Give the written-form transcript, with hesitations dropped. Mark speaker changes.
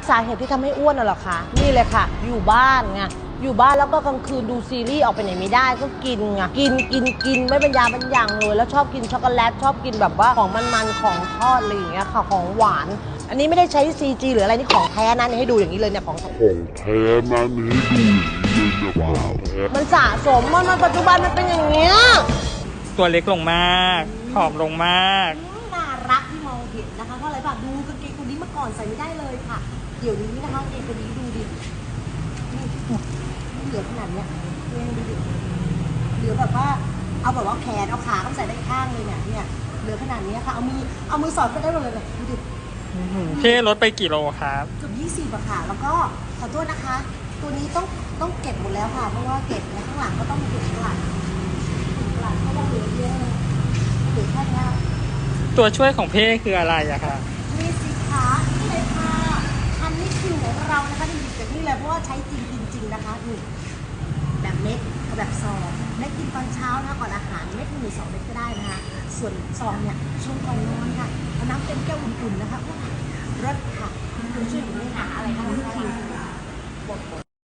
Speaker 1: สาเหตุที่ทำให้อ้วนน่ะเหรอคะนี่เลยค่ะอยู่บ้านไงอยู่บ้านแล้วก็กลางคืนดูซีรีส์ออกไปไหนไม่ได้ก็กินไงกินไม่เป็นยาเป็นอย่างเลยแล้วชอบกินช็อกโกแลตชอบกินแบบว่าของมันๆของทอดอะไรอย่างเงี้ยค่ะของหวานอันนี้ไม่ได้ใช้ CG หรืออะไรนี่ของแท้นะนี่ให้ดูอย่างนี้เลยเนี่ยของแท้นะนี่ให้ดูอย่างนี้เลยว้าวมันสะสมมันปัจจุบันมันเป็นอย่างเงี้ย
Speaker 2: ตัวเล็กลงมากผอมลงมาก
Speaker 1: น่ารักที่มองเห็นนะคะเพราะอะไรป่ะดูกางเกงตัวนี้เมื่อก่อนใส่ไม่ได้เลยค่ะเดี๋ยวนี้นะคะกางเกงตัวนี้ดูดินี่เหลือขนาดเนี้ยเองดูดิเหลือแบบว่าเอาแบบว่าแขนเอาขาต้องใส่ได้ข้างเลยเนี่ยเหลือขนาดนี้ค่ะเอามือสอดก็ได้หมดเลยดูดิ
Speaker 2: เท่ลดไปกี่โลครับ
Speaker 1: เกือบ20อะค่ะแล้วก็ขอโทษนะคะตัวนี้ต้องเก็บหมดแล้วค่ะเพราะว่าเก็บข้างหลังก็ต้องเก็บข้างหลังเพราะว่าเหลือเยอะเหลือแค่นี้
Speaker 2: ตัวช่วยของเพ่คืออะไรอะคะ
Speaker 1: มีสินค้านี่เลยค่ะอันนี้คือของเรานะคะที่หยิบจากนี่เลยเพราะว่าใช้จริงนะคะนี่แบบเม็ดกับแบบซองเม็ดกินตอนเช้านะก่อนอาหารเม็ด1 2 เม็ดก็ได้นะคะส่วนซองเนี่ยช่วงก่อนนอนค่ะเอาน้ำเต็มแก้วอุ่นๆนะคะรสค่ะคุณช่วยผมไม่หาอะไรคะ